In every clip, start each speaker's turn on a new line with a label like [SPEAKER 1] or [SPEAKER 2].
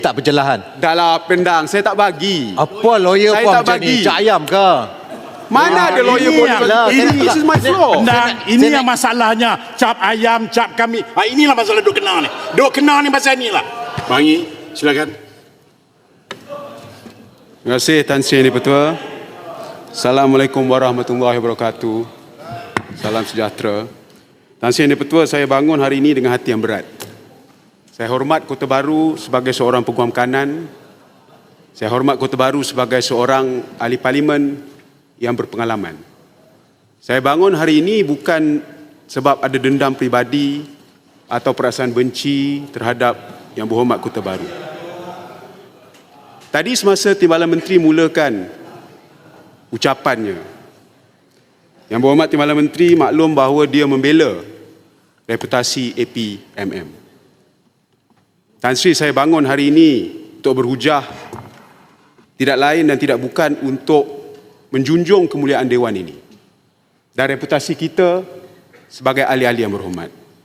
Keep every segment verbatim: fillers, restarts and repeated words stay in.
[SPEAKER 1] Tak pencerahan.
[SPEAKER 2] Dah lah pendang, saya tak bagi.
[SPEAKER 1] Apa lawyer
[SPEAKER 2] Saya
[SPEAKER 1] kau
[SPEAKER 2] tak
[SPEAKER 1] macam
[SPEAKER 2] bagi.
[SPEAKER 1] ni? Cak ayam ke?
[SPEAKER 2] Mana ada lawyer
[SPEAKER 3] ini
[SPEAKER 2] boleh
[SPEAKER 3] yang-
[SPEAKER 2] bagi?
[SPEAKER 3] ini
[SPEAKER 2] This is my
[SPEAKER 3] Saya-
[SPEAKER 2] floor.
[SPEAKER 3] Pendang,
[SPEAKER 1] Saya-
[SPEAKER 3] ini
[SPEAKER 1] saya
[SPEAKER 3] yang masalahnya. Cap ayam, cap kami. Ha, inilah masalah duk kena ni. Duk kena ni pasal ni lah. Bangi, silakan.
[SPEAKER 2] Terima kasih Tan Sri Yang Di-Pertua. Assalamualaikum warahmatullahi wabarakatuh. Salam sejahtera. Tan Sri Yang Di-Pertua, saya bangun hari ini dengan hati yang berat. Saya hormat Kota Baru sebagai seorang peguam kanan. Saya hormat Kota Baru sebagai seorang ahli parlimen yang berpengalaman. Saya bangun hari ini bukan sebab ada dendam peribadi atau perasaan benci terhadap Yang Berhormat Kota Baru. Tadi semasa Timbalan Menteri mulakan ucapannya, Yang Berhormat Timbalan Menteri maklum bahawa dia membela reputasi A P M M. Tan Sri, saya bangun hari ini untuk berhujah tidak lain dan tidak bukan untuk menjunjung kemuliaan Dewan ini dan reputasi kita sebagai ahli-ahli yang berhormat.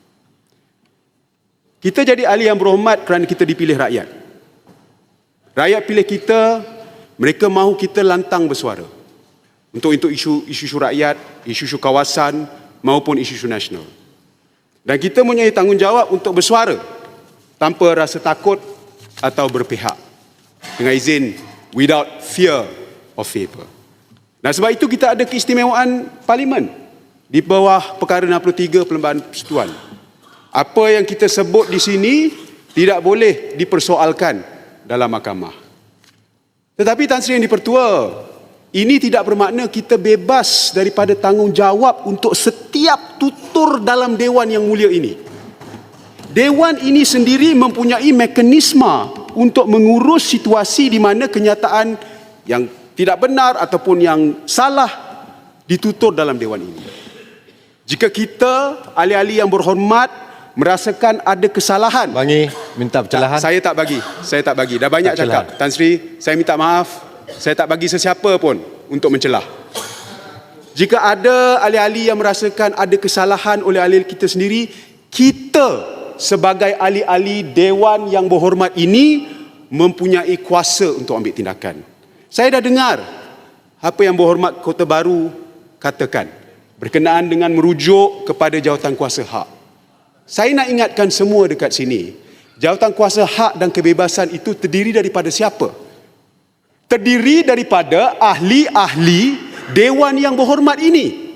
[SPEAKER 2] Kita jadi ahli yang berhormat kerana kita dipilih rakyat. Rakyat pilih kita, mereka mahu kita lantang bersuara untuk untuk isu isu rakyat, isu-isu kawasan maupun isu-isu nasional. Dan kita mempunyai tanggungjawab untuk bersuara tanpa rasa takut atau berpihak, dengan izin without fear of favour. Dan sebab itu kita ada keistimewaan parlimen di bawah perkara enam puluh tiga Perlembagaan Persekutuan. Apa yang kita sebut di sini tidak boleh dipersoalkan dalam mahkamah. Tetapi Tan Sri Yang Di-Pertua, ini tidak bermakna kita bebas daripada tanggungjawab untuk setiap tutur dalam Dewan yang mulia ini. Dewan ini sendiri mempunyai mekanisme untuk mengurus situasi di mana kenyataan yang tidak benar ataupun yang salah ditutur dalam Dewan ini. Jika kita, ahli-ahli yang berhormat, merasakan ada kesalahan,
[SPEAKER 1] Bangi, minta pencerahan.
[SPEAKER 2] saya tak bagi. Saya tak bagi. Dah banyak
[SPEAKER 1] Tak
[SPEAKER 2] cakap. Tan Sri, saya minta maaf. Saya tak bagi sesiapa pun untuk mencelah. Jika ada ahli-ahli yang merasakan ada kesalahan oleh ahli kita sendiri, kita sebagai ahli-ahli Dewan yang berhormat ini mempunyai kuasa untuk ambil tindakan. Saya dah dengar apa yang Berhormat Kota Baru katakan berkenaan dengan merujuk kepada jawatan kuasa hak. Saya nak ingatkan semua dekat sini, jawatan kuasa hak dan kebebasan itu terdiri daripada siapa? Terdiri daripada ahli-ahli Dewan yang berhormat ini.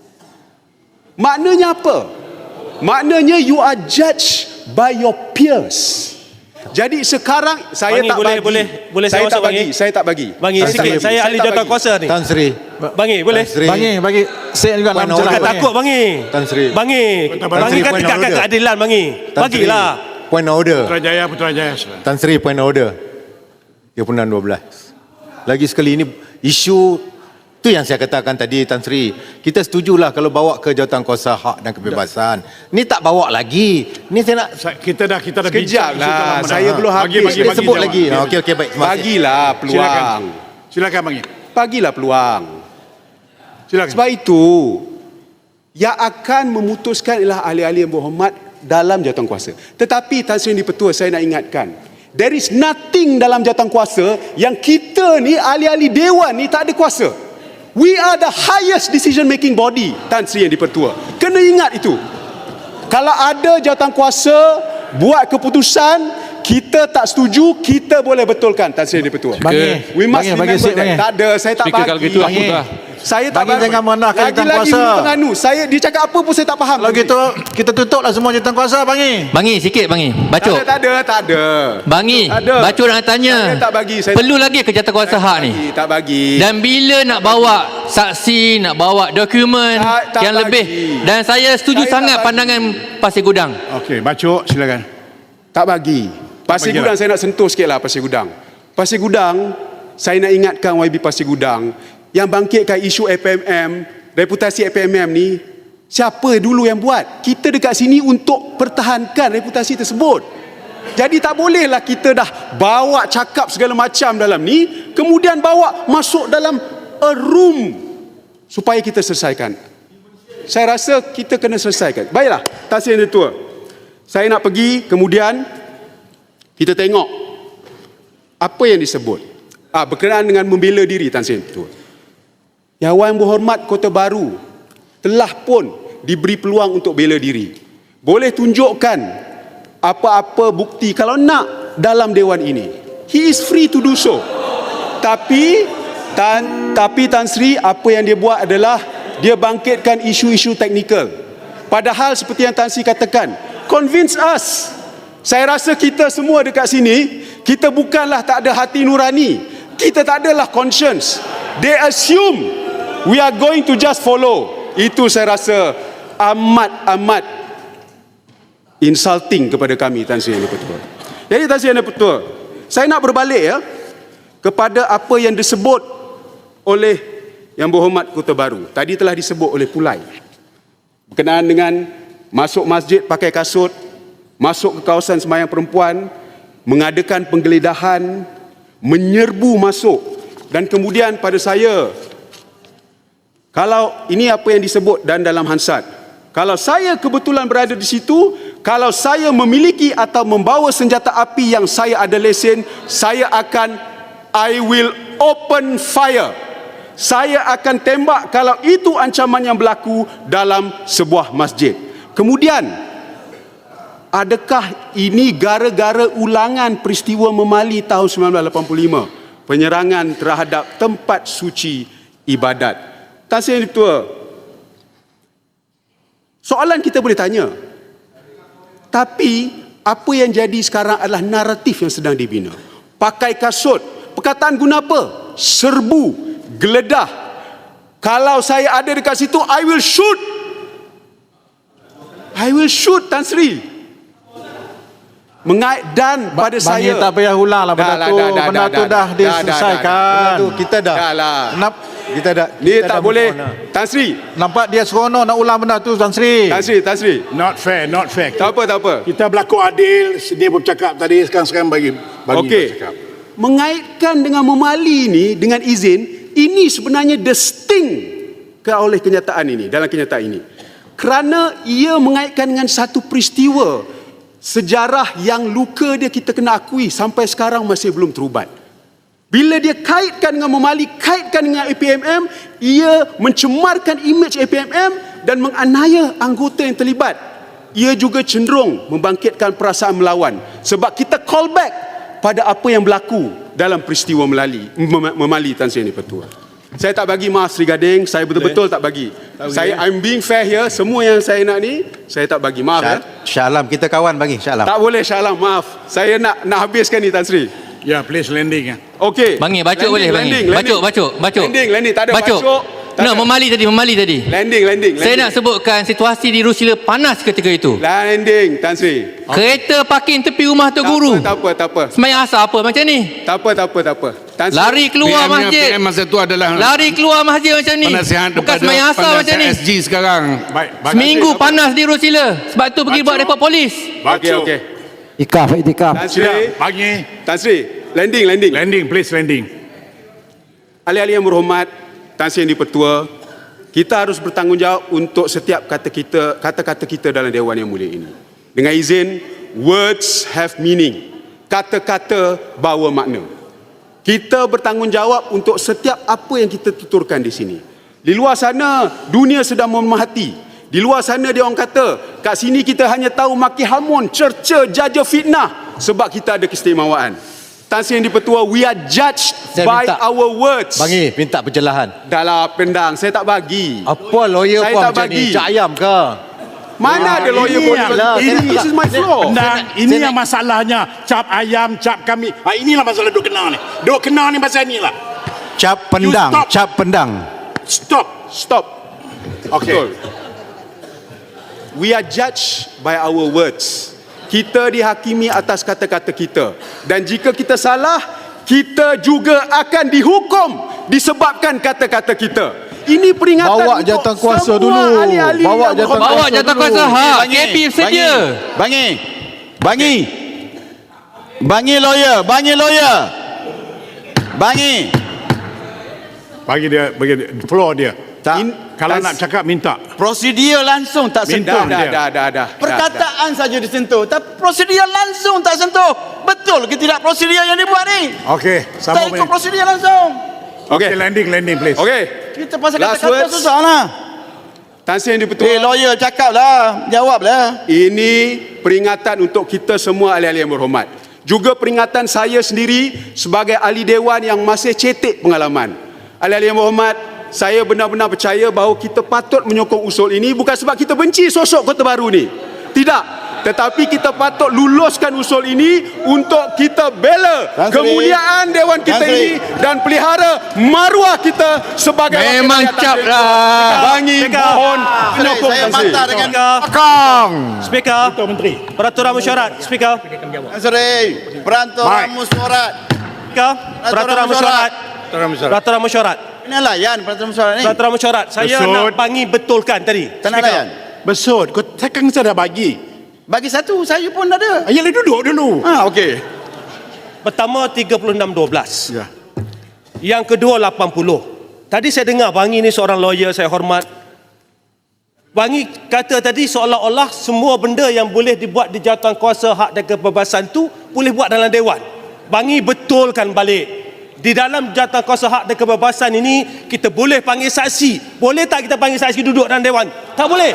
[SPEAKER 2] Maknanya apa? Maknanya you are judged by your peers. Jadi sekarang saya
[SPEAKER 4] Bangi,
[SPEAKER 2] tak
[SPEAKER 4] boleh,
[SPEAKER 2] bagi.
[SPEAKER 4] boleh, boleh
[SPEAKER 2] saya
[SPEAKER 4] saya
[SPEAKER 2] tak
[SPEAKER 4] masuk,
[SPEAKER 2] bagi.
[SPEAKER 4] Bangi?
[SPEAKER 2] Saya tak bagi.
[SPEAKER 4] Bangi
[SPEAKER 1] Tan
[SPEAKER 4] sikit,
[SPEAKER 1] Sri,
[SPEAKER 4] saya ahli
[SPEAKER 2] tak
[SPEAKER 4] jawatan
[SPEAKER 2] bagi.
[SPEAKER 4] kuasa ni.
[SPEAKER 1] Tan Sri.
[SPEAKER 4] Bangi, boleh?
[SPEAKER 1] Tan Sri.
[SPEAKER 5] Bangi, bagi saya juga nak
[SPEAKER 1] Puan
[SPEAKER 5] mencerahkan.
[SPEAKER 4] Jangan
[SPEAKER 1] Bangi.
[SPEAKER 4] takut, Bangi.
[SPEAKER 1] Tan Sri.
[SPEAKER 4] Bangi.
[SPEAKER 1] Tan
[SPEAKER 4] Bangi
[SPEAKER 1] Sri,
[SPEAKER 4] kan
[SPEAKER 1] point of
[SPEAKER 4] tegakkan
[SPEAKER 1] order.
[SPEAKER 4] keadilan, Bangi.
[SPEAKER 1] Tan Sri,
[SPEAKER 4] Bagilah.
[SPEAKER 1] point of order.
[SPEAKER 3] Putrajaya, Putrajaya. silakan.
[SPEAKER 1] Tan Sri, point of order. tiga puluh enam dua belas. Lagi sekali ini isu tu yang saya katakan tadi, Tan Sri. Kita setujulah kalau bawa ke jawatan kuasa hak dan kebebasan. Ni tak bawa lagi. Ni saya nak
[SPEAKER 3] Sa- Kita dah kita dah
[SPEAKER 2] Sekejap
[SPEAKER 3] bincang isu
[SPEAKER 2] lah,
[SPEAKER 3] dalam
[SPEAKER 2] saya
[SPEAKER 3] undang.
[SPEAKER 2] belum
[SPEAKER 3] Bagi,
[SPEAKER 2] habis.
[SPEAKER 3] bagi,
[SPEAKER 1] dia
[SPEAKER 3] bagi
[SPEAKER 1] sebut
[SPEAKER 3] jawab.
[SPEAKER 1] lagi. Ha, okey okey baik. Terima kasih.
[SPEAKER 2] Bagilah peluang.
[SPEAKER 3] Silakan. Silakan Bangi.
[SPEAKER 2] Bagilah peluang.
[SPEAKER 3] Silakan.
[SPEAKER 2] Sebab itu, yang akan memutuskan ialah ahli-ahli yang berhormat dalam jawatan kuasa. Tetapi Tan Sri Yang Di-Pertua, saya nak ingatkan, there is nothing dalam jawatan kuasa yang kita ni ahli-ahli Dewan ni tak ada kuasa. We are the highest decision making body, Tan Sri Yang Di-Pertua. Kena ingat itu. Kalau ada jawatan kuasa buat keputusan, kita tak setuju, kita boleh betulkan, Tan Sri Yang Di-Pertua.
[SPEAKER 5] Bangi.
[SPEAKER 2] We must
[SPEAKER 5] Bangi, bagi
[SPEAKER 2] remember
[SPEAKER 5] sikit,
[SPEAKER 2] that.
[SPEAKER 5] Bangi.
[SPEAKER 2] Tak ada, saya tak
[SPEAKER 6] Speaker,
[SPEAKER 2] bagi.
[SPEAKER 6] kalau gitu aku
[SPEAKER 5] Bangi.
[SPEAKER 6] dah.
[SPEAKER 2] Saya tak
[SPEAKER 5] Bangi
[SPEAKER 2] bagi.
[SPEAKER 5] jangan merendahkan jawatan
[SPEAKER 2] Lagi-lagi
[SPEAKER 5] kuasa.
[SPEAKER 2] minta nganu. Saya dia cakap apa pun saya tak faham.
[SPEAKER 5] Kalau gitu kita tutuplah semua jawatan kuasa, Bangi.
[SPEAKER 6] Bangi sikit, Bangi.
[SPEAKER 2] tak
[SPEAKER 6] Bacok.
[SPEAKER 2] ada, tak ada, tak ada.
[SPEAKER 6] Bangi.
[SPEAKER 2] Tak ada.
[SPEAKER 6] Bacok nak tanya.
[SPEAKER 2] Saya tak bagi. Saya
[SPEAKER 6] Perlu lagi ke jawatan hak ni?
[SPEAKER 2] bagi, tak bagi.
[SPEAKER 6] Dan bila nak bawa saksi, nak bawa dokumen
[SPEAKER 2] Tak- tak
[SPEAKER 6] yang
[SPEAKER 2] bagi.
[SPEAKER 6] lebih. Dan saya setuju
[SPEAKER 2] Saya tak
[SPEAKER 6] sangat
[SPEAKER 2] bagi.
[SPEAKER 6] pandangan Pasir Gudang.
[SPEAKER 3] Okey, bacok silakan.
[SPEAKER 2] Tak bagi. Pasir
[SPEAKER 3] bagi
[SPEAKER 2] Gudang
[SPEAKER 3] lah.
[SPEAKER 2] saya nak sentuh sikit lah Pasir Gudang. Pasir Gudang, saya nak ingatkan Y B Pasir Gudang yang bangkitkan isu A P M M, reputasi A P M M ni, siapa dulu yang buat? Kita dekat sini untuk pertahankan reputasi tersebut. Jadi tak bolehlah kita dah bawa cakap segala macam dalam ni, kemudian bawa masuk dalam a room supaya kita selesaikan. Saya rasa kita kena selesaikan. Baiklah, Tan Sri Yang Di-Pertua. Saya nak pergi, kemudian kita tengok apa yang disebut ah, berkenaan dengan membela diri Tan Sri Betul. Yang Yang Berhormat Kota Baru telah pun diberi peluang untuk bela diri. Boleh tunjukkan apa-apa bukti kalau nak dalam dewan ini. He is free to do so. Tapi Tan, tapi Tan Sri apa yang dia buat adalah dia bangkitkan isu-isu teknikal. Padahal seperti yang Tan Sri katakan, convince us. Saya rasa kita semua dekat sini, kita bukanlah tak ada hati nurani. Kita tak adalah conscience. They assume we are going to just follow. Itu saya rasa amat-amat insulting kepada kami, Tan Sri Yang Dipertua. Jadi Tan Sri Yang Dipertua, saya nak berbalik ya kepada apa yang disebut oleh Yang Berhormat Kota Baru. Tadi telah disebut oleh Pulai berkenaan dengan masuk masjid pakai kasut, masuk ke kawasan sembahyang perempuan, mengadakan penggeledahan, menyerbu masuk, dan kemudian pada saya, kalau ini apa yang disebut dan dalam Hansard, kalau saya kebetulan berada di situ, kalau saya memiliki atau membawa senjata api yang saya ada lesen, saya akan I will open fire. Saya akan tembak kalau itu ancaman yang berlaku dalam sebuah masjid. Kemudian, adakah ini gara-gara ulangan peristiwa Memali tahun sembilan belas lapan puluh lima? Penyerangan terhadap tempat suci ibadat. Tan Sri Yang Dipertua, soalan kita boleh tanya. Tapi, apa yang jadi sekarang adalah naratif yang sedang dibina. Pakai kasut. Perkataan guna apa? Serbu. Geledah. Kalau saya ada dekat situ, I will shoot. I will shoot, Tan Sri. Mengait dan pada
[SPEAKER 5] Bang
[SPEAKER 2] saya.
[SPEAKER 5] Yi tak payah ulang lah benda
[SPEAKER 2] Dah lah,
[SPEAKER 5] tu.
[SPEAKER 2] dah, dah,
[SPEAKER 5] Benda
[SPEAKER 2] dah,
[SPEAKER 5] tu
[SPEAKER 2] dah,
[SPEAKER 5] dah
[SPEAKER 2] dah,
[SPEAKER 5] diselesaikan.
[SPEAKER 1] Itu kita dah.
[SPEAKER 2] Dah lah.
[SPEAKER 5] Kenapa?
[SPEAKER 1] Kita dah.
[SPEAKER 2] Ni
[SPEAKER 1] kita
[SPEAKER 2] tak
[SPEAKER 1] dah
[SPEAKER 2] boleh.
[SPEAKER 1] move on lah.
[SPEAKER 2] Tan Sri.
[SPEAKER 5] Nampak dia seronok nak ulang benda tu, Tan Sri.
[SPEAKER 2] Tan Sri, Tan Sri.
[SPEAKER 3] Not fair, not fair.
[SPEAKER 2] Tak apa, tak apa.
[SPEAKER 3] Kita berlaku adil, dia bercakap tadi, sekarang sekarang bagi bagi
[SPEAKER 2] Okey.
[SPEAKER 3] bercakap.
[SPEAKER 2] Mengaitkan dengan Memali ini dengan izin, ini sebenarnya distinct ke oleh kenyataan ini, dalam kenyataan ini. Kerana ia mengaitkan dengan satu peristiwa sejarah yang luka dia kita kena akui sampai sekarang masih belum terubat. Bila dia kaitkan dengan Memali, kaitkan dengan A P M M, ia mencemarkan imej A P M M dan menganiaya anggota yang terlibat. Ia juga cenderung membangkitkan perasaan melawan. Sebab kita call back pada apa yang berlaku dalam peristiwa Melali, Mem- Memali Tan Sri Yang Dipertua. Saya tak bagi maaf Sri Gading, saya betul-betul tak bagi. Saya I'm being fair here, semua yang saya nak ni saya tak bagi. Maaf ya.
[SPEAKER 5] Syah Alam, kita kawan bagi Syah Alam.
[SPEAKER 2] Tak boleh Syah Alam, maaf. Saya nak nak habiskan ni Tan Sri.
[SPEAKER 3] Ya, please landing. Ya.
[SPEAKER 2] Okey.
[SPEAKER 6] Bang Yi, bacok
[SPEAKER 2] Landing,
[SPEAKER 6] boleh Bang Yi.
[SPEAKER 2] landing,
[SPEAKER 6] Bacok,
[SPEAKER 2] landing.
[SPEAKER 6] bacok, bacok.
[SPEAKER 2] Landing, landing, tak ada
[SPEAKER 6] Bacok.
[SPEAKER 2] bacok. Tak
[SPEAKER 6] No,
[SPEAKER 2] ada.
[SPEAKER 6] Memali tadi, Memali tadi.
[SPEAKER 2] Landing, landing,
[SPEAKER 6] Saya
[SPEAKER 2] landing.
[SPEAKER 6] nak sebutkan situasi di Rusila panas ketika itu.
[SPEAKER 2] Landing, Tan Sri.
[SPEAKER 6] Kereta parking tepi rumah Tok Guru.
[SPEAKER 2] Tak apa, tak apa.
[SPEAKER 6] Semayang asar apa macam ni?
[SPEAKER 2] Tak apa, tak apa, tak apa. Tan Sri.
[SPEAKER 6] Lari keluar
[SPEAKER 4] P M-nya
[SPEAKER 6] masjid.
[SPEAKER 4] P M masa tu adalah
[SPEAKER 6] Lari keluar masjid macam ni.
[SPEAKER 4] penasihat
[SPEAKER 6] Bukan
[SPEAKER 4] kepada
[SPEAKER 6] semayang asar macam ni.
[SPEAKER 4] penasihat S G sekarang.
[SPEAKER 3] Baik, baik.
[SPEAKER 6] Seminggu panas di Rusila. Sebab tu pergi
[SPEAKER 3] Bacok.
[SPEAKER 6] buat report polis.
[SPEAKER 2] Okey,
[SPEAKER 3] Bacok.
[SPEAKER 2] okey.
[SPEAKER 5] Ikaf, itikaf.
[SPEAKER 2] Tan Sri.
[SPEAKER 3] Tidak, bagi
[SPEAKER 2] Tan Sri, landing, landing.
[SPEAKER 3] landing, please landing.
[SPEAKER 2] Ahli-ahli yang berhormat, Tan Sri Yang Dipertua, kita harus bertanggungjawab untuk setiap kata kita, kata-kata kita dalam Dewan Yang Mulia ini. Dengan izin, words have meaning. Kata-kata bawa makna. Kita bertanggungjawab untuk setiap apa yang kita tuturkan di sini. Di luar sana, dunia sedang memerhati. Di luar sana dia orang kata, kat sini kita hanya tahu maki hamun, cerca, jaja, fitnah. Sebab kita ada keistimewaan. Tan Sri Yang Dipertua, we are judged
[SPEAKER 1] Saya
[SPEAKER 2] by
[SPEAKER 1] minta-
[SPEAKER 2] our words.
[SPEAKER 1] Bang Yi, minta pencerahan.
[SPEAKER 2] Dahlah pendang, saya tak bagi.
[SPEAKER 1] Apa lawyer
[SPEAKER 2] Saya
[SPEAKER 1] pun
[SPEAKER 2] tak
[SPEAKER 1] macam
[SPEAKER 2] bagi.
[SPEAKER 1] ni? Cak ayam ke?
[SPEAKER 2] Mana ada lawyer
[SPEAKER 3] ini
[SPEAKER 2] pun
[SPEAKER 3] yang-
[SPEAKER 2] lah.
[SPEAKER 3] ini-
[SPEAKER 2] This is my floor.
[SPEAKER 3] Nah, ini yang masalahnya. Cap ayam, cap kami. Ah, inilah masalah duk kena ni. Duk kena ni pasal ni lah.
[SPEAKER 5] Cap
[SPEAKER 3] pendang, stop.
[SPEAKER 5] cap pendang.
[SPEAKER 3] Stop.
[SPEAKER 2] Stop.
[SPEAKER 3] Okay.
[SPEAKER 2] Betul. We are judged by our words. Kita dihakimi atas kata-kata kita. Dan jika kita salah, kita juga akan dihukum disebabkan kata-kata kita. Ini peringatan
[SPEAKER 5] Bawa
[SPEAKER 2] untuk
[SPEAKER 5] jawatan kuasa
[SPEAKER 2] semua
[SPEAKER 5] dulu.
[SPEAKER 2] ahli-ahli
[SPEAKER 5] Bawa
[SPEAKER 2] yang
[SPEAKER 5] jawatan
[SPEAKER 2] berhormat.
[SPEAKER 6] Bawa
[SPEAKER 5] kuasa
[SPEAKER 6] jawatan
[SPEAKER 5] dulu.
[SPEAKER 6] kuasa hak.
[SPEAKER 5] Bang Yi,
[SPEAKER 6] K P sedia.
[SPEAKER 5] Bang Yi. Bang Yi. Bang Yi lawyer, Bang Yi lawyer. Bang Yi.
[SPEAKER 3] Bagi dia, bagi dia, floor dia.
[SPEAKER 5] Tak.
[SPEAKER 2] In-
[SPEAKER 3] Kalau
[SPEAKER 2] Tas-
[SPEAKER 3] nak cakap minta.
[SPEAKER 5] Prosedur langsung tak
[SPEAKER 3] Minta.
[SPEAKER 5] sentuh.
[SPEAKER 2] Dah, dah, dah, dah, dah.
[SPEAKER 5] Perkataan saja disentuh, tapi prosedur langsung tak sentuh. Betul ke tidak prosedur yang dibuat ni?
[SPEAKER 3] Okey,
[SPEAKER 5] Tak
[SPEAKER 3] sama
[SPEAKER 5] ikut prosedur langsung.
[SPEAKER 3] Okey,
[SPEAKER 2] Okey.
[SPEAKER 3] landing, landing please.
[SPEAKER 2] Okey.
[SPEAKER 5] Kita pasal
[SPEAKER 2] Last
[SPEAKER 5] kata-kata
[SPEAKER 2] words.
[SPEAKER 5] susah lah.
[SPEAKER 2] Tan Sri yang
[SPEAKER 5] Eh,
[SPEAKER 2] di-Pertua.
[SPEAKER 5] lawyer cakap lah. Jawab lah.
[SPEAKER 2] Ini peringatan untuk kita semua ahli-ahli yang berhormat. Juga peringatan saya sendiri sebagai ahli dewan yang masih cetek pengalaman. Ahli-ahli yang berhormat, saya benar-benar percaya bahawa kita patut menyokong usul ini bukan sebab kita benci sosok Kota Baru ni. Tidak. Tetapi kita patut luluskan usul ini untuk kita bela
[SPEAKER 5] Tan Sri.
[SPEAKER 2] kemuliaan dewan kita
[SPEAKER 5] Tan Sri.
[SPEAKER 2] ini dan pelihara maruah kita sebagai wakil
[SPEAKER 6] Memang
[SPEAKER 2] rakyat.
[SPEAKER 6] cap
[SPEAKER 2] Tan Sri.
[SPEAKER 6] lah.
[SPEAKER 2] Bangi mohon menyokong
[SPEAKER 5] Saya
[SPEAKER 2] Tan Sri.
[SPEAKER 5] mantap dengan
[SPEAKER 1] Kong.
[SPEAKER 4] Speaker,
[SPEAKER 3] Tuan Menteri.
[SPEAKER 4] peraturan mesyuarat. Speaker,
[SPEAKER 5] Tan Sri. Peraturan
[SPEAKER 3] Baik.
[SPEAKER 5] mesyuarat.
[SPEAKER 4] Speaker, peraturan mesyuarat.
[SPEAKER 3] Tuan Menteri.
[SPEAKER 4] Peraturan mesyuarat.
[SPEAKER 5] Ini layan peraturan mesyuarat ni.
[SPEAKER 4] Peraturan mesyuarat. Saya
[SPEAKER 3] Besut.
[SPEAKER 4] nak bangi betulkan tadi.
[SPEAKER 5] Tak nak layan.
[SPEAKER 3] Besut, kau saya kan saya dah bagi.
[SPEAKER 5] Bagi satu, saya pun ada.
[SPEAKER 3] Ayalah duduk dulu.
[SPEAKER 5] Ha, okey.
[SPEAKER 4] Pertama tiga puluh enam dua belas.
[SPEAKER 3] Ya.
[SPEAKER 4] Yang kedua lapan puluh. Tadi saya dengar Bangi ni seorang lawyer saya hormat. Bangi kata tadi seolah-olah semua benda yang boleh dibuat di jawatan kuasa hak dan kebebasan tu boleh buat dalam dewan. Bangi betulkan balik. Di dalam jawatan kuasa hak dan kebebasan ini kita boleh panggil saksi. Boleh tak kita panggil saksi duduk dalam dewan? Tak boleh.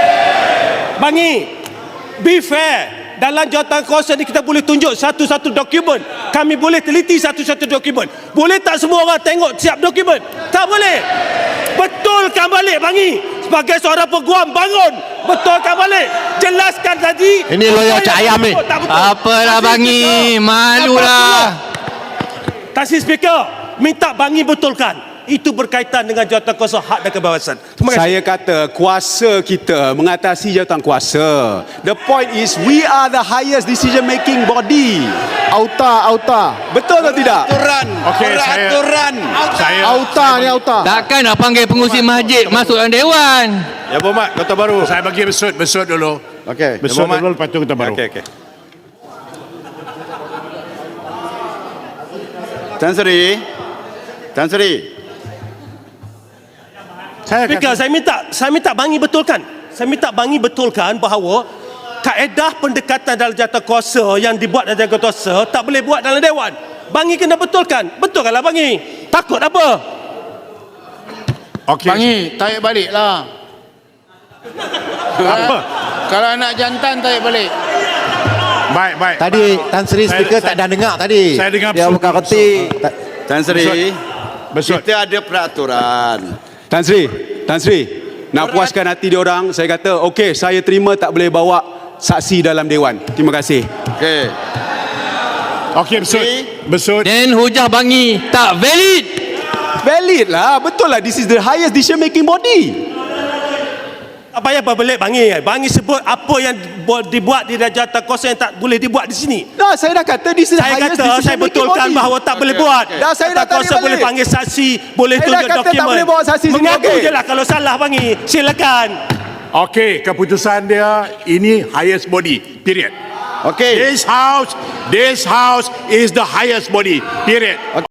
[SPEAKER 4] Bangi, be fair. Dalam jawatan kuasa ni kita boleh tunjuk satu-satu dokumen. Kami boleh teliti satu-satu dokumen. Boleh tak semua orang tengok siap dokumen? Tak boleh. Betulkan balik Bangi. Sebagai seorang peguam, bangun. Betulkan balik. Jelaskan tadi.
[SPEAKER 6] Ini lawyer
[SPEAKER 4] Apa
[SPEAKER 6] cak
[SPEAKER 4] yang
[SPEAKER 6] ayam ni.
[SPEAKER 4] betul, tak betul.
[SPEAKER 6] Apalah
[SPEAKER 4] Tasir
[SPEAKER 6] Bangi,
[SPEAKER 4] Speaker.
[SPEAKER 6] malulah.
[SPEAKER 4] Tasir Speaker, minta Bangi betulkan. Itu berkaitan dengan jawatan kuasa hak dan kebebasan. Terima kasih.
[SPEAKER 2] Saya kata kuasa kita mengatasi jawatan kuasa. The point is we are the highest decision making body.
[SPEAKER 1] Auta, auta.
[SPEAKER 2] Betul atau tidak?
[SPEAKER 5] Aturan.
[SPEAKER 3] Okey, saya-
[SPEAKER 5] Peraturan.
[SPEAKER 3] Saya
[SPEAKER 1] Auta ni auta.
[SPEAKER 6] Takkan nak panggil pengurusi masjid masuk dalam dewan.
[SPEAKER 1] Ya berhormat, Kota Baru.
[SPEAKER 3] saya bagi besut, besut dulu.
[SPEAKER 1] Okey.
[SPEAKER 3] Besut dulu lepas tu kita baru.
[SPEAKER 1] Okey, okey.
[SPEAKER 5] Tan Sri. Tan Sri.
[SPEAKER 3] Saya
[SPEAKER 4] Speaker, saya minta saya minta Bangi betulkan. Saya minta Bangi betulkan bahawa kaedah pendekatan dalam jawatan kuasa yang dibuat dalam jawatan kuasa tak boleh buat dalam dewan. Bangi kena betulkan. Betulkanlah Bangi. Takut apa?
[SPEAKER 3] okey.
[SPEAKER 7] Bangi, tarik balik lah.
[SPEAKER 3] Apa?
[SPEAKER 7] Kalau nak jantan, tarik balik.
[SPEAKER 3] Baik, baik.
[SPEAKER 1] Tadi Tan Sri
[SPEAKER 3] Saya-
[SPEAKER 1] speaker
[SPEAKER 3] saya-
[SPEAKER 1] tak dah dengar tadi.
[SPEAKER 3] Saya dengar
[SPEAKER 5] Dia
[SPEAKER 3] besut.
[SPEAKER 5] bukan reti. Tan Sri.
[SPEAKER 3] Besut.
[SPEAKER 5] Kita ada peraturan.
[SPEAKER 2] Tan Sri, Tan Sri, nak puaskan hati dia orang, saya kata okey, saya terima tak boleh bawa saksi dalam dewan. Terima kasih.
[SPEAKER 5] Okey.
[SPEAKER 3] Okey, besut. Besut.
[SPEAKER 6] Dan hujah Bangi tak valid.
[SPEAKER 2] Valid lah, betul lah, this is the highest decision making body.
[SPEAKER 4] Apa yang berbalik Bangi? Bangi sebut apa yang bu- dibuat di dalam jawatan kuasa yang tak boleh dibuat di sini.
[SPEAKER 2] Dah, saya dah kata this is the
[SPEAKER 4] Saya
[SPEAKER 2] highest
[SPEAKER 4] kata
[SPEAKER 2] decision
[SPEAKER 4] saya
[SPEAKER 2] making
[SPEAKER 4] betulkan
[SPEAKER 2] body.
[SPEAKER 4] bahawa tak boleh buat.
[SPEAKER 2] Dah, saya dah
[SPEAKER 4] Jawatan kuasa
[SPEAKER 2] tarik
[SPEAKER 4] boleh
[SPEAKER 2] balik.
[SPEAKER 4] panggil saksi, boleh
[SPEAKER 2] Saya dah
[SPEAKER 4] tunjuk
[SPEAKER 2] kata tak
[SPEAKER 4] dokumen.
[SPEAKER 2] boleh bawa saksi sini,
[SPEAKER 4] Mengaku
[SPEAKER 2] okey.
[SPEAKER 4] je lah kalau salah Bangi. Silakan.
[SPEAKER 3] Okey, keputusan dia ini highest body. Period.
[SPEAKER 5] Okey.
[SPEAKER 3] This house, this house is the highest body. Period.